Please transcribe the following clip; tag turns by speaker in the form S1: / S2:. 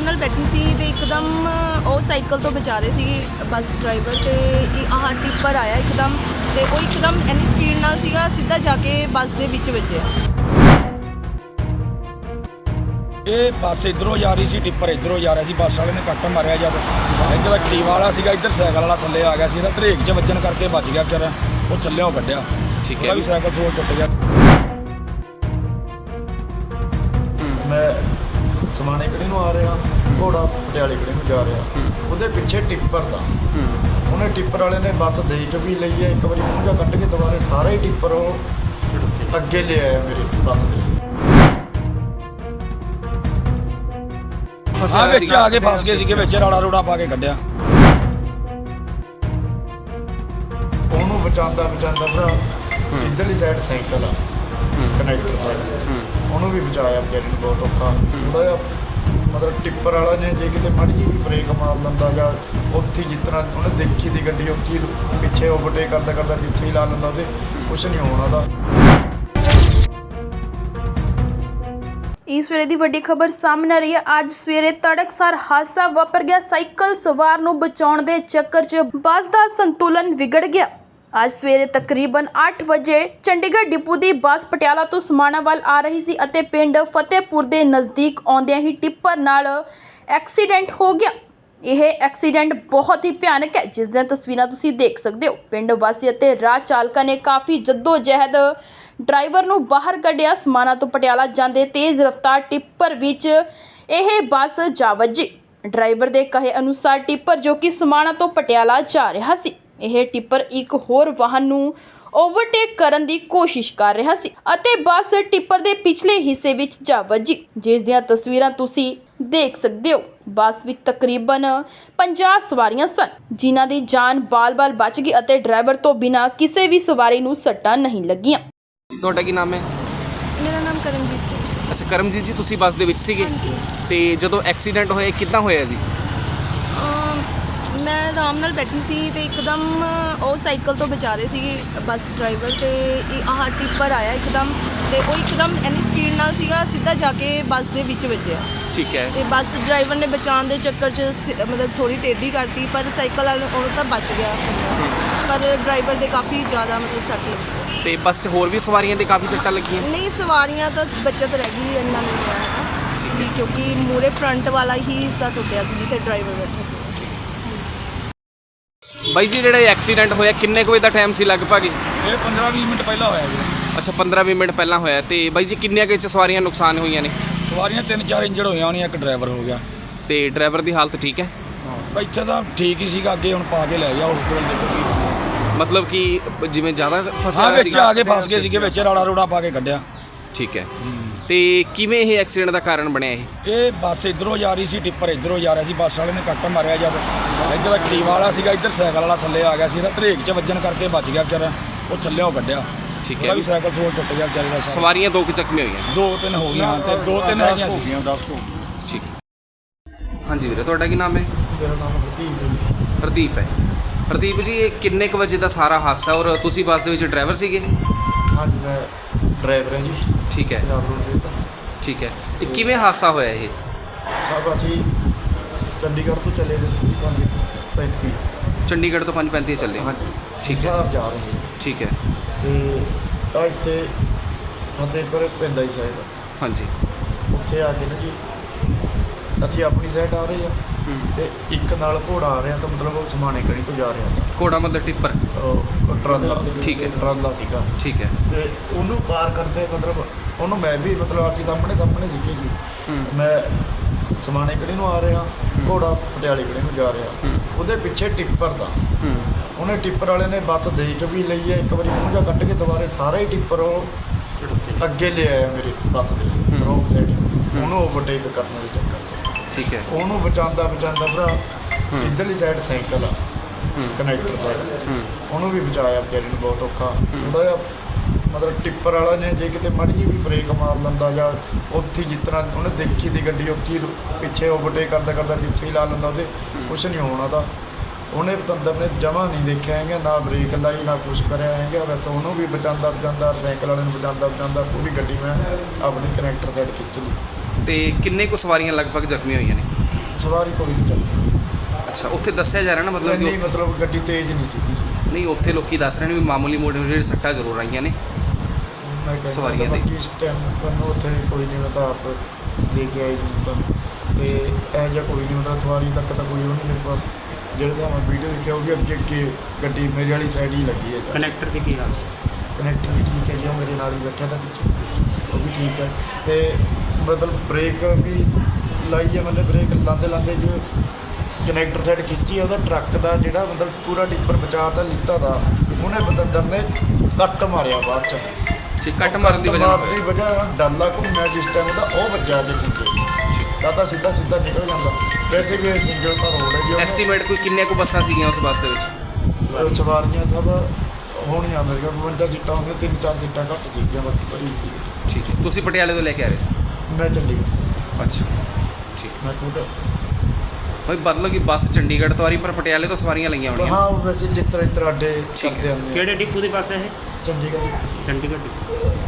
S1: ਨਾਲ ਬੈਠੀ ਸੀ ਤੇ ਇੱਕਦਮ ਉਹ ਸਾਈਕਲ ਤੋਂ ਬਚਾ ਰਹੇ ਸੀ ਬੱਸ ਡਰਾਈਵਰ ਤੇ ਆਹ ਟਿੱਪਰ ਆਇਆ ਇੱਕਦਮ ਤੇ ਉਹ ਇੱਕਦਮ ਇੰਨੀ ਸਪੀਡ ਨਾਲ ਸੀਗਾ ਸਿੱਧਾ ਜਾ ਕੇ ਬੱਸ ਦੇ ਵਿੱਚ ਵੱਜਿਆ।
S2: ਇਹ ਬੱਸ ਇਧਰੋਂ ਜਾ ਰਹੀ ਸੀ, ਟਿੱਪਰ ਇਧਰੋਂ ਜਾ ਰਿਹਾ ਸੀ। ਬੱਸ ਵਾਲੇ ਨੇ ਕੱਟ ਮਾਰਿਆ ਜਦ ਇੱਧਰ ਐਕਟਿਵਾ ਵਾਲਾ ਸੀਗਾ, ਇੱਧਰ ਸਾਈਕਲ ਵਾਲਾ ਥੱਲੇ ਆ ਗਿਆ ਸੀ। ਇਹਦਾ ਧਰੇਕ 'ਚ ਵੱਜਣ ਕਰਕੇ ਬਚ ਗਿਆ ਵਿਚਾਰਾ, ਉਹ ਥੱਲਿਓਂ ਕੱਢਿਆ।
S3: ਠੀਕ ਹੈ
S2: ਵੀ ਸਾਈਕਲ ਸੋਲ ਟੁੱਟ ਗਿਆ।
S4: ਮੈਂ ਸਮਾਣੇ ਕਿਹੜੇ ਨੂੰ ਆ ਰਿਹਾ, ਘੋੜਾ ਪਟਿਆਲੇ ਕਿਹੜੇ ਨੂੰ ਜਾ ਰਿਹਾ, ਉਹਦੇ ਪਿੱਛੇ ਟਿੱਪਰ ਦਾ ਉਹਨੇ ਟਿੱਪਰ ਵਾਲੇ ਨੇ ਬੱਸ ਦੇਖ ਵੀ ਲਈ ਹੈ। ਇੱਕ ਵਾਰੀ ਮੂੰਹ ਜਾ ਕੱਢ ਕੇ ਦੁਬਾਰੇ ਸਾਰਾ ਹੀ ਟਿੱਪਰ ਉਹ ਅੱਗੇ ਲੈ ਆਇਆ ਮੇਰੇ ਬੱਸ ਦੇ।
S3: ਫਸਿਆ
S2: ਵਿੱਚ ਆ ਕੇ ਫਸ ਗਏ ਸੀਗੇ, ਵਿੱਚ ਰਾੜਾ ਰੋੜਾ ਪਾ ਕੇ ਕੱਢਿਆ।
S4: ਉਹਨੂੰ ਬਚਾਉਂਦਾ ਭਰਾ ਇੱਧਰਲੀ ਸਾਈਡ ਸਾਈਕਲ ਆ ਕਨੈਕਟਰ ਸਾਈਡ, ਉਹਨੂੰ ਵੀ ਬਚਾਇਆ ਵਿਚਾਰੇ ਨੂੰ ਬਹੁਤ ਔਖਾ। ਥੋੜ੍ਹਾ ਜਿਹਾ ਮਤਲਬ ਟਿੱਪਰ ਵਾਲਾ ਨੇ ਜੇ ਕਿਤੇ ਮਾੜੀ ਜਿਹੀ ਵੀ ਬ੍ਰੇਕ ਮਾਰ ਲੈਂਦਾ ਜਾਂ ਉੱਥੇ ਜਿਸ ਤਰ੍ਹਾਂ ਉਹਨੇ ਦੇਖੀ ਦੀ ਗੱਡੀ ਉੱਥੇ ਪਿੱਛੇ ਓਵਰਟੇਕ ਕਰਦਾ ਪਿੱਛੇ ਹੀ ਲਾ ਲੈਂਦਾ, ਉਹਦੇ ਕੁਛ ਨਹੀਂ ਹੋਣਾ ਉਹਦਾ।
S5: ਇਸ ਵੇਲੇ ਦੀ ਵੱਡੀ ਖਬਰ ਸਾਹਮਣੇ ਆ ਰਹੀ ਹੈ। ਅੱਜ ਸਵੇਰੇ ਤੜਕਸਾਰ ਹਾਦਸਾ ਵਾਪਰ ਗਿਆ। ਸਾਈਕਲ ਸਵਾਰ ਨੂੰ ਬਚਾਉਣ ਦੇ ਚੱਕਰ 'ਚ ਬੱਸ ਦਾ ਸੰਤੁਲਨ ਵਿਗੜ ਗਿਆ। ਅੱਜ ਸਵੇਰੇ ਤਕਰੀਬਨ 8 ਵਜੇ ਚੰਡੀਗੜ੍ਹ ਡਿਪੂ ਦੀ ਬੱਸ ਪਟਿਆਲਾ ਤੋਂ ਸਮਾਣਾ ਵੱਲ ਆ ਰਹੀ ਸੀ ਅਤੇ ਪਿੰਡ ਫਤਿਹਪੁਰ ਦੇ ਨਜ਼ਦੀਕ ਆਉਂਦਿਆਂ ਹੀ ਟਿੱਪਰ ਨਾਲ ਐਕਸੀਡੈਂਟ ਹੋ ਗਿਆ। ਇਹ ਐਕਸੀਡੈਂਟ ਬਹੁਤ ਹੀ ਭਿਆਨਕ ਹੈ, ਜਿਸ ਦੀਆਂ ਤਸਵੀਰਾਂ ਤੁਸੀਂ ਦੇਖ ਸਕਦੇ ਹੋ। ਪਿੰਡ ਵਾਸੀ ਅਤੇ ਰਾਹ ਚਾਲਕਾਂ ਨੇ ਕਾਫੀ ਜਹਿਦ ਡਰਾਈਵਰ ਨੂੰ ਬਾਹਰ ਕੱਢਿਆ। ਸਮਾਣਾ ਤੋਂ ਪਟਿਆਲਾ ਜਾਂਦੇ ਤੇਜ਼ ਰਫ਼ਤਾਰ ਟਿੱਪਰ ਵਿੱਚ ਇਹ ਬੱਸ ਜਾ ਵੱਜੀ। ਡਰਾਈਵਰ ਦੇ ਕਹੇ ਅਨੁਸਾਰ ਟਿੱਪਰ ਜੋ ਕਿ ਸਮਾਣਾ ਤੋਂ ਪਟਿਆਲਾ ਜਾ ਰਿਹਾ ਸੀ, ਇਹ ਟਿੱਪਰ ਇੱਕ ਹੋਰ ਵਾਹਨ ਨੂੰ ਓਵਰਟੇਕ ਕਰਨ ਦੀ ਕੋਸ਼ਿਸ਼ ਕਰ ਰਿਹਾ ਸੀ ਅਤੇ ਬੱਸ ਟਿੱਪਰ ਦੇ ਪਿਛਲੇ ਹਿੱਸੇ ਵਿੱਚ ਜਾ ਵੱਜੀ, ਜਿਸ ਦੀਆਂ ਤਸਵੀਰਾਂ ਤੁਸੀਂ ਦੇਖ ਸਕਦੇ ਹੋ। ਬੱਸ ਵਿੱਚ ਤਕਰੀਬਨ 50 ਸਵਾਰੀਆਂ ਸਨ, ਜਿਨ੍ਹਾਂ ਦੀ ਜਾਨ ਬਾਲ-ਬਾਲ ਬਚ ਗਈ ਅਤੇ ਡਰਾਈਵਰ ਤੋਂ ਬਿਨਾਂ ਕਿਸੇ ਵੀ ਸਵਾਰੀ ਨੂੰ ਸੱਟਾਂ ਨਹੀਂ ਲੱਗੀਆਂ।
S3: ਤੁਹਾਡਾ ਕੀ ਨਾਮ ਹੈ?
S1: ਮੇਰਾ ਨਾਮ ਕਰਮਜੀਤ ਹੈ।
S3: ਅੱਛਾ ਕਰਮਜੀਤ ਜੀ, ਤੁਸੀਂ ਬੱਸ ਦੇ ਵਿੱਚ ਸੀਗੇ ਤੇ ਜਦੋਂ ਐਕਸੀਡੈਂਟ ਹੋਇਆ ਕਿੱਦਾਂ ਹੋਇਆ ਜੀ?
S1: ਮੈਂ ਆਰਾਮ ਨਾਲ ਬੈਠੀ ਸੀ ਤੇ ਇੱਕਦਮ ਉਹ ਸਾਈਕਲ ਤੋਂ ਬਚਾ ਰਹੇ ਸੀ ਬੱਸ ਡਰਾਈਵਰ ਤੇ ਆਹ ਟਿੱਪਰ ਆਇਆ ਇੱਕਦਮ ਤੇ ਉਹ ਇੱਕਦਮ ਇੰਨੀ ਸਪੀਡ ਨਾਲ ਸੀਗਾ ਸਿੱਧਾ ਜਾ ਕੇ ਬੱਸ ਦੇ ਵਿੱਚ ਵੱਜਿਆ।
S3: ਠੀਕ ਹੈ।
S1: ਤੇ ਬੱਸ ਡਰਾਈਵਰ ਨੇ ਬਚਾਉਣ ਦੇ ਚੱਕਰ 'ਚ ਮਤਲਬ ਥੋੜੀ ਟੇਢੀ ਕਰਤੀ, ਪਰ ਸਾਈਕਲ ਵਾਲੇ ਉਹਨੂੰ ਤਾਂ ਬਚ ਗਿਆ, ਪਰ ਡਰਾਈਵਰ ਦੇ ਕਾਫੀ ਜ਼ਿਆਦਾ ਮਤਲਬ ਸੱਟ ਲੱਗੀ।
S3: ਤੇ ਬੱਸ 'ਚ ਹੋਰ ਵੀ ਸਵਾਰੀਆਂ ਦੇ ਕਾਫੀ ਸੱਟਾਂ ਲੱਗੀਆਂ?
S1: ਨਹੀਂ, ਸਵਾਰੀਆਂ ਤਾਂ ਬਚਤ ਰਹਿ ਗਈ, ਇੰਨਾ ਨਹੀਂ ਹੋਇਆ
S3: ਠੀਕ ਹੈ,
S1: ਕਿਉਂਕਿ ਮੂਰੇ ਫਰੰਟ ਵਾਲਾ ਹੀ ਹਿੱਸਾ ਟੁੱਟਿਆ ਸੀ ਜਿੱਥੇ ਡਰਾਈਵਰ ਬੈਠਾ ਸੀ।
S3: ਬਾਈ ਜੀ ਜਿਹੜਾ ਐਕਸੀਡੈਂਟ ਹੋਇਆ ਕਿੰਨੇ ਕੁ ਵਜੇ ਦਾ ਟਾਈਮ ਸੀ ਲਗਭਗ?
S2: ਇਹ 15-20 ਮਿੰਟ ਪਹਿਲਾਂ ਹੋਇਆ ਜੀ।
S3: ਅੱਛਾ 15-20 ਮਿੰਟ ਪਹਿਲਾਂ ਹੋਇਆ। ਤੇ ਬਾਈ ਜੀ ਕਿੰਨੀਆਂ ਕੁ 'ਚ ਸਵਾਰੀਆਂ ਨੁਕਸਾਨ ਹੋਈਆਂ ਨੇ?
S2: ਸਵਾਰੀਆਂ 3-4 ਇੰਜਰਡ ਹੋਈਆਂ ਹੋਣੀਆਂ, ਇੱਕ ਡਰਾਈਵਰ ਹੋ ਗਿਆ।
S3: ਤੇ ਡਰਾਈਵਰ ਦੀ ਹਾਲਤ ਠੀਕ ਹੈ?
S2: ਇੱਥੇ ਤਾਂ ਠੀਕ ਹੀ ਸੀਗਾ, ਅੱਗੇ ਹੁਣ ਪਾ ਕੇ ਲੈ ਗਿਆ ਹਸਪੀਟਲ ਦੇ।
S3: ਮਤਲਬ ਕਿ ਜਿਵੇਂ ਜ਼ਿਆਦਾ ਫਸਿਆ
S2: ਵਿੱਚ
S3: ਸੀਗਾ?
S2: ਆ ਕੇ ਫਸ ਗਏ ਸੀਗੇ, ਵਿੱਚ ਰਾੜਾ ਰੋੜਾ ਪਾ ਕੇ ਕੱਢਿਆ।
S3: ਠੀਕ ਹੈ। ਤੇ ਕਿਵੇਂ ਇਹ ਐਕਸੀਡੈਂਟ ਦਾ ਕਾਰਨ ਬਣਿਆ ਇਹ?
S2: ਇਹ ਬੱਸ ਇਧਰੋਂ ਜਾ ਰਹੀ ਸੀ, ਟਿੱਪਰ ਇਧਰੋਂ ਜਾ ਰਿਹਾ ਸੀ। ਬੱਸ ਵਾਲੇ ਨੇ ਕੱਟ ਮਾਰਿਆ ਜਦ ਇੱਧਰ ਐਕਟਿਵਾ ਵਾਲਾ ਸੀਗਾ, ਇੱਧਰ ਸਾਈਕਲ ਵਾਲਾ ਥੱਲੇ ਆ ਗਿਆ ਸੀ। ਇਹਦਾ ਧਰੇਕ 'ਚ ਵੱਜਣ ਕਰਕੇ ਬਚ ਗਿਆ ਵਿਚਾਰਾ, ਉਹ ਥੱਲਿਓਂ ਕੱਢਿਆ।
S3: ਠੀਕ ਹੈ।
S2: ਵੀ ਸਾਈਕਲ ਸੋਲ ਟੁੱਟ ਗਿਆ ਵਿਚਾਰੇ ਦਾ।
S3: ਸਵਾਰੀਆਂ 2 ਕੁ ਜ਼ਖਮੀ ਹੋਈਆਂ?
S2: 2-3 ਹੋ ਗਈਆਂ ਤੇ 2-3 ਹੈਗੀਆਂ ਸੀ।
S4: 10 ਹੋ
S3: ਠੀਕ। ਹਾਂਜੀ ਵੀਰੇ, ਤੁਹਾਡਾ ਕੀ ਨਾਮ ਹੈ?
S4: ਮੇਰਾ ਨਾਮ ਪ੍ਰਦੀਪ।
S3: ਪ੍ਰਦੀਪ ਹੈ। ਪ੍ਰਦੀਪ ਜੀ, ਇਹ ਕਿੰਨੇ ਕੁ ਵਜੇ ਦਾ ਸਾਰਾ ਹਾਦਸਾ ਔਰ ਤੁਸੀਂ ਬੱਸ ਦੇ ਵਿੱਚ ਡਰਾਈਵਰ ਸੀਗੇ?
S4: ਹਾਂਜੀ ਮੈਂ ਡਰਾਈਵਰ ਹਾਂ ਜੀ।
S3: ਠੀਕ ਹੈ।
S4: ਪੰਜਾਬ ਰੋਡ ਦਾ।
S3: ਠੀਕ ਹੈ। ਇਹ ਕਿਵੇਂ ਹਾਦਸਾ ਹੋਇਆ ਇਹ?
S4: ਸਭ ਅਸੀਂ ਚੰਡੀਗੜ੍ਹ ਤੋਂ ਚੱਲੇ ਦੇ ਸੀ 5:35।
S3: ਚੰਡੀਗੜ੍ਹ ਤੋਂ 5:35 ਚੱਲੇ?
S4: ਹਾਂਜੀ
S3: ਠੀਕ ਹੈ।
S4: ਹਿਸਾਰ ਜਾ ਰਹੇ
S3: ਠੀਕ ਹੈ।
S4: ਤੇ ਤਾਂ ਇੱਥੇ ਫਤਿਹਪੁਰ ਪੈਂਦਾ ਹੀ ਸਾਈਡ,
S3: ਹਾਂਜੀ।
S4: ਉੱਥੇ ਆ ਕੇ ਨਾ ਜੀ ਅਸੀਂ ਆਪਣੀ ਸਾਈਡ ਆ ਰਹੇ ਆ ਤੇ ਇੱਕ ਨਾਲ ਘੋੜਾ ਆ ਰਿਹਾ, ਤਾਂ ਮਤਲਬ ਉਹ ਸਮਾਣੇ ਕਣੀ ਤੋਂ ਜਾ ਰਿਹਾ।
S3: ਘੋੜਾ ਮਤਲਬ ਟਿੱਪਰ?
S4: ਟਰਾਲਾ।
S3: ਠੀਕ ਹੈ।
S4: ਟਰਾਲਾ ਸੀਗਾ।
S3: ਠੀਕ ਹੈ।
S4: ਤੇ ਉਹਨੂੰ ਪਾਰ ਕਰਦੇ ਮਤਲਬ ਉਹਨੂੰ ਮੈਂ ਵੀ ਮਤਲਬ ਅਸੀਂ ਸਾਹਮਣੇ ਸੀਗੇ ਜੀ। ਮੈਂ ਸਮਾਣੇ ਕਿਹੜੇ ਨੂੰ ਆ ਰਿਹਾ, ਘੋੜਾ ਪਟਿਆਲੇ ਕਿਹੜੇ ਨੂੰ ਜਾ ਰਿਹਾ, ਉਹਦੇ ਪਿੱਛੇ ਟਿੱਪਰ ਦਾ ਉਹਨੇ ਟਿੱਪਰ ਵਾਲੇ ਨੇ ਬੱਸ ਦੇਖ ਵੀ ਲਈ ਹੈ। ਇੱਕ ਵਾਰੀ ਮੂੰਹ ਜਾ ਕੱਢ ਕੇ ਦੁਬਾਰੇ ਸਾਰਾ ਹੀ ਟਿੱਪਰ ਉਹ ਅੱਗੇ ਲੈ ਆਇਆ ਮੇਰੇ ਬੱਸ ਦੇ ਰੋਂਗ ਸਾਈਡ, ਉਹਨੂੰ ਓਵਰਟੇਕ ਕਰਨ ਦੇ ਚੱਕਰ 'ਚ।
S3: ਠੀਕ ਹੈ।
S4: ਉਹਨੂੰ ਬਚਾਉਂਦਾ ਭਰਾ ਇੱਧਰਲੀ ਸਾਈਡ ਸਾਈਕਲ ਆ ਕਨੈਕਟਰ ਸਾਈਡ, ਉਹਨੂੰ ਵੀ ਬਚਾਇਆ ਵਿਚਾਰੇ ਨੂੰ ਬਹੁਤ ਔਖਾ। ਥੋੜ੍ਹਾ ਜਿਹਾ ਮਤਲਬ ਟਿੱਪਰ ਵਾਲਾ ਨੇ ਜੇ ਕਿਤੇ ਮਾੜੀ ਜਿਹੀ ਵੀ ਬ੍ਰੇਕ ਮਾਰ ਲੈਂਦਾ ਜਾਂ ਉੱਥੇ ਜਿਸ ਤਰ੍ਹਾਂ ਉਹਨੇ ਦੇਖੀ ਦੀ ਗੱਡੀ ਉੱਥੇ ਪਿੱਛੇ ਓਵਰਟੇਕ ਕਰਦਾ ਪਿੱਛੇ ਹੀ ਲਾ ਲੈਂਦਾ, ਉਹਦੇ ਕੁਛ ਨਹੀਂ ਹੋਣਾ ਉਹਦਾ। ਉਹਨੇ ਪਤੰਦਰ ਨੇ ਜਮ੍ਹਾਂ ਨਹੀਂ ਦੇਖਿਆ ਹੈਗਾ, ਨਾ ਬ੍ਰੇਕ ਲਾਈ ਨਾ ਕੁਛ ਕਰਿਆ ਹੈਗਾ। ਬਸ ਉਹਨੂੰ ਵੀ ਬਚਾਉਂਦਾ ਸਾਈਕਲ ਵਾਲੇ ਨੂੰ ਬਚਾਉਂਦਾ ਪੂਰੀ ਗੱਡੀ ਮੈਂ ਆਪਣੀ ਕਨੈਕਟਰ ਸਾਈਡ ਖਿੱਚ ਲਈ।
S3: ਤੇ ਕਿੰਨੇ ਕੁ ਸਵਾਰੀਆਂ ਲਗਭਗ ਜ਼ਖਮੀ ਹੋਈਆਂ ਨੇ?
S4: ਸਵਾਰੀ ਕੋਈ ਨਹੀਂ ਚੱਲੀ।
S3: ਅੱਛਾ, ਉੱਥੇ ਦੱਸਿਆ ਜਾ ਰਿਹਾ ਨਾ ਮਤਲਬ
S4: ਇੰਨੀ
S3: ਕਿ
S4: ਮਤਲਬ ਗੱਡੀ ਤੇਜ਼ ਨਹੀਂ ਸੀਗੀ।
S3: ਨਹੀਂ, ਉੱਥੇ ਲੋਕੀ ਦੱਸ ਰਹੇ ਨੇ ਵੀ ਮਾਮੂਲੀ ਮੋਟੇ ਜਿਹੜੇ ਸੱਟਾਂ ਜ਼ਰੂਰ ਆਈਆਂ ਨੇ
S4: ਮੈਂ ਕਹਿੰਦਾ
S3: ਸਵਾਰੀਆਂ ਦੀ।
S4: ਬਾਕੀ ਇਸ ਟਾਈਮ ਮੈਨੂੰ ਉੱਥੇ ਕੋਈ ਨਹੀਂ, ਮੈਂ ਤਾਂ ਆਪ ਦੇ ਕੇ ਆਈ ਨੂੰ ਤਾਂ ਤੇ ਇਹ ਜਿਹਾ ਕੋਈ ਨਹੀਂ, ਮਤਲਬ ਸਵਾਰੀ ਤੱਕ ਤਾਂ ਕੋਈ ਉਹ ਨਹੀਂ ਮੇਰੇ ਕੋਲ। ਜਿਹੜੇ ਤਾਂ ਮੈਂ ਵੀਡੀਓ ਦੇਖਿਆ ਉਹ ਵੀ ਅੱਗੇ ਗੱਡੀ ਮੇਰੇ ਵਾਲੀ ਸਾਈਡ ਹੀ ਲੱਗੀ ਹੈ।
S6: ਕਨੈਕਟਰ ਦੀ ਕੀ ਹਾਲ?
S4: ਕਨੈਕਟਰ ਵੀ ਠੀਕ ਹੈ ਜੀ, ਉਹ ਮੇਰੇ ਨਾਲ ਹੀ ਬੈਠਿਆ ਤਾਂ ਪਿੱਛੇ, ਉਹ ਵੀ ਠੀਕ ਹੈ। ਤੇ ਮਤਲਬ ਬ੍ਰੇਕ ਵੀ ਲਾਈ ਹੈ ਮੈंने, ਬ੍ਰੇਕ ਲਾਉਂਦੇ ਜੋ ਕਨੈਕਟਰ ਸਾਈਡ ਖਿੱਚੀ ਹੈ, ਉਹਦਾ ਟਰੱਕ ਦਾ ਜਿਹੜਾ ਮਤਲਬ ਪੂਰਾ ਟਿੱਪਰ ਬਚਾ ਤਾਂ ਲਿੱਤਾ ਦਾ, ਉਹਨੇ ਬਤੰਦਰ ਨੇ ਕੱਟ ਮਾਰਿਆ ਬਾਅਦ ਚ।
S3: ਠੀਕ, ਕੱਟ ਮਾਰਨ ਦੀ ਵਜ੍ਹਾ
S4: ਮਾਰਨ ਦੀ ਵਜ੍ਹਾ ਨਾਲ ਡਾਲਾ ਘੁੰਮਿਆ ਜਿਸ ਟਾਈਮ ਉਹਦਾ, ਉਹ ਵੱਜਿਆ ਦੇ ਪਿੱਛੇ ਤਾਂ ਸਿੱਧਾ ਨਿਕਲ ਜਾਂਦਾ। ਵੈਸੇ ਵੀ ਇਹ ਸਿੰਗਲ ਤਾਂ ਰੋਡ ਹੈ ਜੀ।
S3: ਐਸਟੀਮੇਟ ਕੋਈ ਕਿੰਨੇ ਕੁ ਬੱਸਾਂ ਸੀਗੀਆਂ ਉਸ ਬੱਸ ਦੇ ਵਿੱਚ?
S4: ਸਵਾਰੀਆਂ ਸਭ ਹੋਣੀਆਂ ਮੇਰੇ ਕੋਲ 52 ਸੀਟਾਂ ਹੋਣਗੀਆਂ, 3-4 ਸੀਟਾਂ ਘੱਟ ਸੀਗੀਆਂ ਬਾਕੀ ਭਰੀ ਸੀ।
S3: ਠੀਕ ਹੈ, ਤੁਸੀਂ ਪਟਿਆਲੇ ਤੋਂ ਲੈ ਕੇ ਆ ਰਹੇ ਸੀ?
S4: ਮੈਂ ਚੰਡੀਗੜ੍ਹ,
S3: ਅੱਛਾ, ਠੀਕ।
S4: ਮੈਂ ਖੁਦ
S3: ਭਾਈ ਮਤਲਬ ਕਿ ਬੱਸ ਚੰਡੀਗੜ੍ਹ ਤੋਂ ਆ ਰਹੀ ਪਰ ਪਟਿਆਲੇ ਤੋਂ ਸਵਾਰੀਆਂ ਲਈਆਂ ਹੋਣੀਆਂ?
S4: ਹਾਂ, ਵੈਸੇ ਜਿਸ ਤਰ੍ਹਾਂ ਅੱਡੇ
S3: ਠੀਕ ਹੈ।
S4: ਕਰਦੇ ਆਉਂਦੇ ਆ।
S6: ਕਿਹੜੇ ਡਿਪੂ ਦੀ ਬੱਸ ਹੈ ਇਹ?
S4: ਚੰਡੀਗੜ੍ਹ
S6: ਚੰਡੀਗੜ੍ਹ ਡਿਪੂ।